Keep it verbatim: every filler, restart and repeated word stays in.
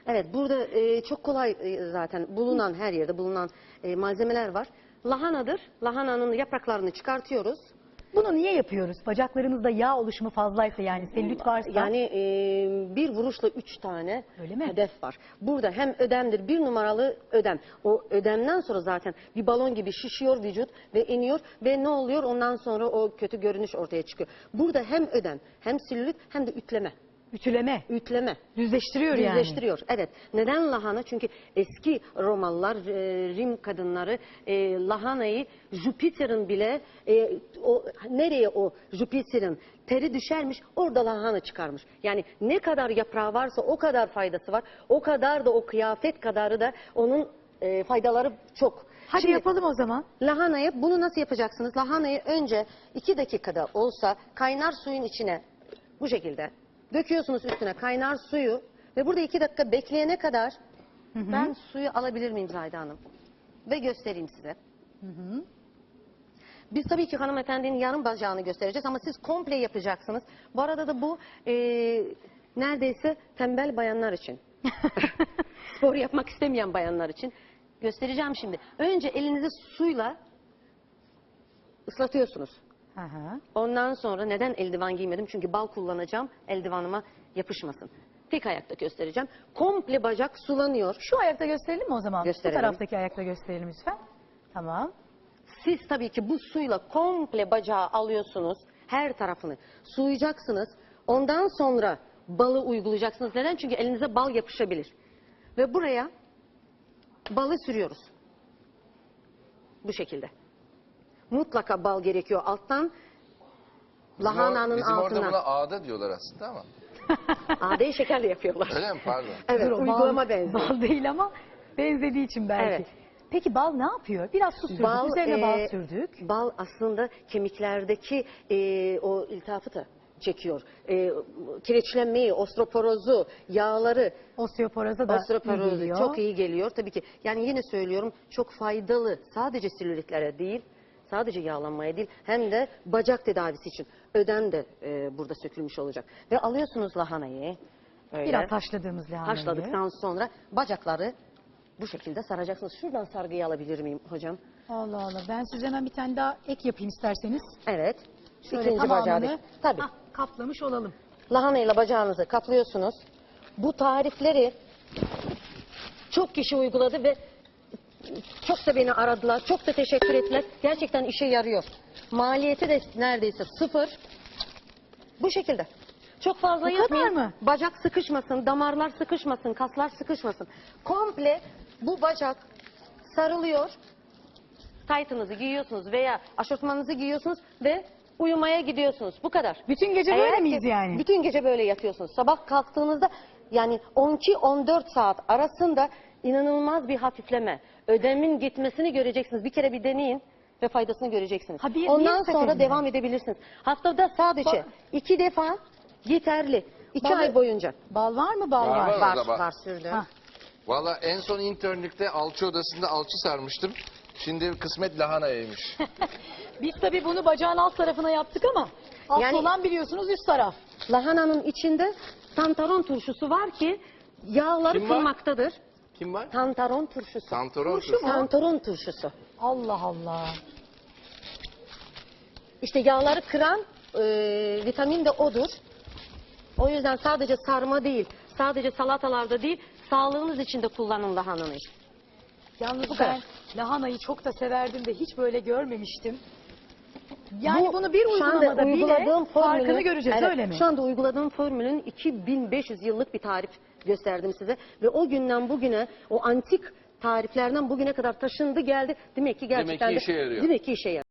Evet, burada e, çok kolay e, zaten bulunan, her yerde bulunan e, malzemeler var. Lahanadır. Lahananın yapraklarını çıkartıyoruz. Bunu niye yapıyoruz? Bacaklarımızda yağ oluşumu fazlaysa, yani selülit varsa. Yani e, bir vuruşla üç tane Öyle mi? hedef var. Burada hem ödemdir, bir numaralı ödem. O ödemden sonra zaten bir balon gibi şişiyor vücut ve iniyor ve ne oluyor? Ondan sonra o kötü görünüş ortaya çıkıyor. Burada hem ödem, hem selülit, hem de ütleme. Ütüleme. Ütleme. Düzleştiriyor yani. Düzleştiriyor. Evet. Neden lahana? Çünkü eski Romalılar, e, Rim kadınları e, lahanayı Jüpiter'in bile e, o nereye o Jüpiter'in teri düşermiş, orada lahana çıkarmış. Yani ne kadar yaprağı varsa o kadar faydası var. O kadar da o kıyafet kadarı da onun e, faydaları çok. Hadi Şimdi, yapalım o zaman. lahanayı bunu nasıl yapacaksınız? Lahanayı önce iki dakikada olsa kaynar suyun içine bu şekilde döküyorsunuz, üstüne kaynar suyu ve burada iki dakika bekleyene kadar Hı hı. ben suyu alabilir miyim Zahide Hanım? Ve göstereyim size. Hı hı. Biz tabii ki hanımefendinin yarım bacağını göstereceğiz ama siz komple yapacaksınız. Bu arada da bu e, neredeyse tembel bayanlar için. Spor yapmak istemeyen bayanlar için. Göstereceğim şimdi. Önce elinizi suyla ıslatıyorsunuz. Hı hı. Ondan sonra neden eldiven giymedim? Çünkü bal kullanacağım, eldivanıma yapışmasın. Tek ayakta göstereceğim. Komple bacak sulanıyor. Şu ayakta gösterelim mi o zaman? Gösterelim. Bu taraftaki ayakta gösterelim lütfen. Tamam. Siz tabii ki bu suyla komple bacağı alıyorsunuz. Her tarafını suyacaksınız. Ondan sonra balı uygulayacaksınız. Neden? Çünkü elinize bal yapışabilir. Ve buraya balı sürüyoruz. Bu şekilde. Mutlaka bal gerekiyor alttan. Bizim, Lahananın or, bizim altından. orada buna ağda diyorlar aslında ama. Adeyi şekerle yapıyorlar. Öyle mi? Pardon. Evet, Dur, o uygulama bal, benziyor. Bal değil ama benzediği için belki. Evet. Peki bal ne yapıyor? Biraz su sürdük, Bal, üzerine e, bal sürdük. Bal aslında kemiklerdeki e, o iltifatı da çekiyor. E, kireçlenmeyi, osteoporozu, yağları, Osteoporoza da iyi osteoporozu geliyor. çok iyi geliyor. Tabii ki yani yine söylüyorum çok faydalı, sadece selülitlere değil, sadece yağlanmaya değil, hem de bacak tedavisi için. Ödem de e, burada sökülmüş olacak. Ve alıyorsunuz lahanayı. Öyle. Biraz haşladığımız lahanayı. Haşladıktan sonra bacakları bu şekilde saracaksınız. Şuradan sargıyı alabilir miyim hocam? Allah Allah. Ben size hemen bir tane daha ek yapayım isterseniz. Evet. Şöyle İkinci bacağı tamamını değil. Tabii. hah, kaplamış olalım. Lahanayla bacağınızı kaplıyorsunuz. Bu tarifleri çok kişi uyguladı ve çok da beni aradılar. Çok da teşekkür ettiler. Gerçekten işe yarıyor. Maliyeti de neredeyse sıfır. Bu şekilde. Çok fazla Bu kadar yapmayın. mı? Bacak sıkışmasın, damarlar sıkışmasın, kaslar sıkışmasın. Komple bu bacak sarılıyor. Taytınızı giyiyorsunuz veya aşortmanınızı giyiyorsunuz ve uyumaya gidiyorsunuz. Bu kadar. Bütün gece Eğer böyle ki- miyiz yani? Bütün gece böyle yatıyorsunuz. Sabah kalktığınızda yani on iki on dört saat arasında inanılmaz bir hafifleme. Ödemin gitmesini göreceksiniz. Bir kere bir deneyin ve faydasını göreceksiniz. Ha, bir- Ondan bir sonra seferde. devam edebilirsiniz. Haftada sadece Ba- iki defa yeterli. İki Balı- ay boyunca. Bal var mı? Bal Var, var. var. Var, orada bak. var sürdüm. Hah. Valla en son internlükte alçı odasında alçı sarmıştım. Şimdi kısmet lahanaymış. Biz tabii bunu bacağın alt tarafına yaptık ama alt Yani- olan biliyorsunuz üst taraf. Lahananın içinde santaron turşusu var ki yağları Kim var? kırmaktadır. Kim var? Santaron turşusu. Santoron Turşu mu? Santaron turşusu. Allah Allah. İşte yağları kıran e, vitamin de odur. O yüzden sadece sarma değil, sadece salatalarda değil, sağlığınız için de kullanın lahanayı. Yalnız Bu ben kadar. lahanayı çok da severdim de hiç böyle görmemiştim. Yani Bu, bunu bir şu anda uygulamada bile uyguladığım farkını formülün- göreceğiz, evet, öyle mi? Şu anda uyguladığım formülün iki bin beş yüz yıllık bir tarif gösterdim size. Ve o günden bugüne o antik tariflerden bugüne kadar taşındı geldi. Demek ki gerçekten ki de- işe yarıyor. Demek ki işe yarıyor.